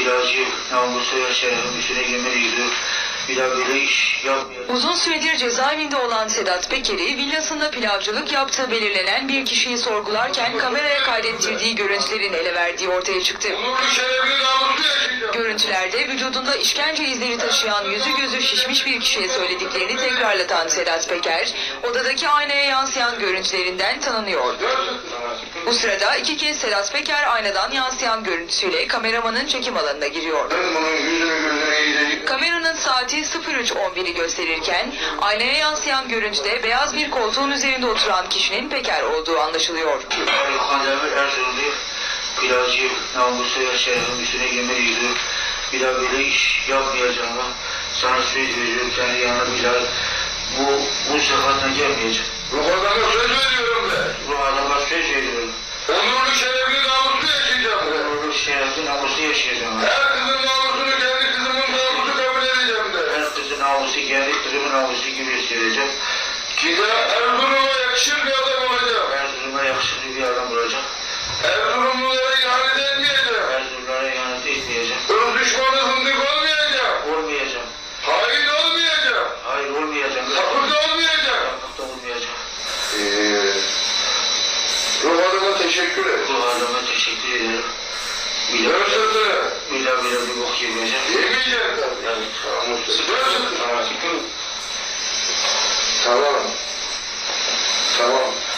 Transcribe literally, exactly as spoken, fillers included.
ilacı, namusu, şerefim üstüne yemin ediyor. Bir daha böyle iş yapmayalım. Uzun süredir cezaevinde olan Sedat Peker'i villasında pilavcılık yaptığı belirlenen bir kişiyi sorgularken kameraya kaydettirdiği görüntülerin ele verdiği ortaya çıktı. Görüntülerde vücudunda işkence izleri taşıyan yüzü gözü şişmiş bir kişiye söylediklerini tekrarlatan Sedat Peker, odadaki aynaya yansıyan görüntülerinden tanınıyor. Bu sırada iki kez Sedat Peker aynadan yansıyan görüntüsüyle kameramanın çekim alanına giriyor. Kameranın saati sıfır üç on biri gösterirken aynaya yansıyan görüntüde beyaz bir koltuğun üzerinde oturan kişinin Peker olduğu anlaşılıyor. Kandemir Erzurumlu ilacı, namusu, şerefim üstüne yemin ediyor. Bir daha böyle iş yapmayacağım. Sana söz veriyorum, kendi yanına bir daha bu, bu sıfatla gelmeyeceğim. Ruh adama söz veriyorum ben. Ruh adama söz veriyorum. Onurlu şerefli namuslu yaşayacağım ben. Onurlu şerefli namuslu yaşayacağım. Her kızın namusunu kendi kızımın namusu kabul edeceğim de. Her kızın namusu kendi kızımın namusu gibi hissedeceğim. Size Erzurum'a yakışır bir adam olacağım. Erzurum'a yakışıklı bir adam olacak. Erzurumlulara ihanet etmeyeceğim. Erzurumlara ihanet etmeyeceğim. Irz düşmanı zındık olmayacağım. Olmayacağım. Hain olmayacağım. Hayır olmayacağım. Sapık da olmayacağım. Sapık da olmayacağım. Eee... Ruh adama teşekkür et. Ruh adama teşekkür ederim. Bir Dön daha sırtını. bir daha bir daha bir bok yemeyeceğim. Yemeyeceğim tabii. Evet. Dön sırtını. Tamam. Tamam.